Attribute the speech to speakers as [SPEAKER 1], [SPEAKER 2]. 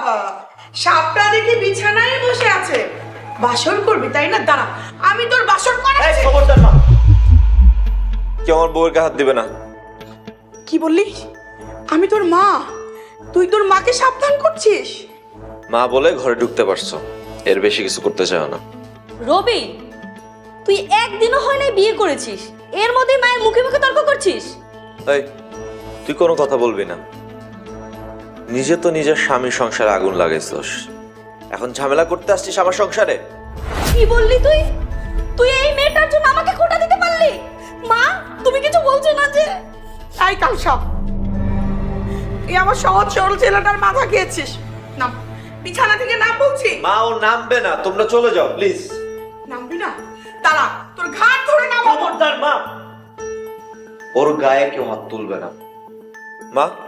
[SPEAKER 1] সাপটা দেখি বিছানায় বসে আছে, বাসর করবি তাই না? দাঁড়া, আমি তোর বাসর করাচ্ছি।
[SPEAKER 2] খবরদার মা, কেউ আমার বউয়ের গায়ে হাত দিবে না।
[SPEAKER 1] কি বললি? আমি তোর মা, তুই তোর মাকে সাবধান করছিস?
[SPEAKER 2] মা বলে ঘরে ঢুকতে পারছো, এর বেশি কিছু করতে চাও না।
[SPEAKER 3] রবি, তুই একদিনও হয় নাই বিয়ে করেছিস, এর মধ্যে মায়ের মুখে মুখে তর্ক করছিস।
[SPEAKER 2] এই, তুই কোনো কথা বলবি না। নিজে তো নিজের স্বামীর সংসারে আগুন লাগাইছস, এখন ঝামেলা করতে আসছিস আমার সংসারে।
[SPEAKER 3] কি বললি তুই? তুই এই মেয়েটার জন্য আমাকে খোঁটা দিতে পারলি? মা, তুমি কিছু বলছো না যে?
[SPEAKER 1] তাই কাল সব এই আমার সহজ সরল ছেলেটার মাথা খেয়েছিস। নাম, বিছানা থেকে নাম বলছি।
[SPEAKER 2] মা, ও নামবে না, তোমরা চলে যাও প্লিজ।
[SPEAKER 1] নামবি না? দাঁড়া, তোর ঘাট ধরে নামাবো।
[SPEAKER 2] খবরদার মা, ওর গায়ে কেউ হাত তুলবে না। মা,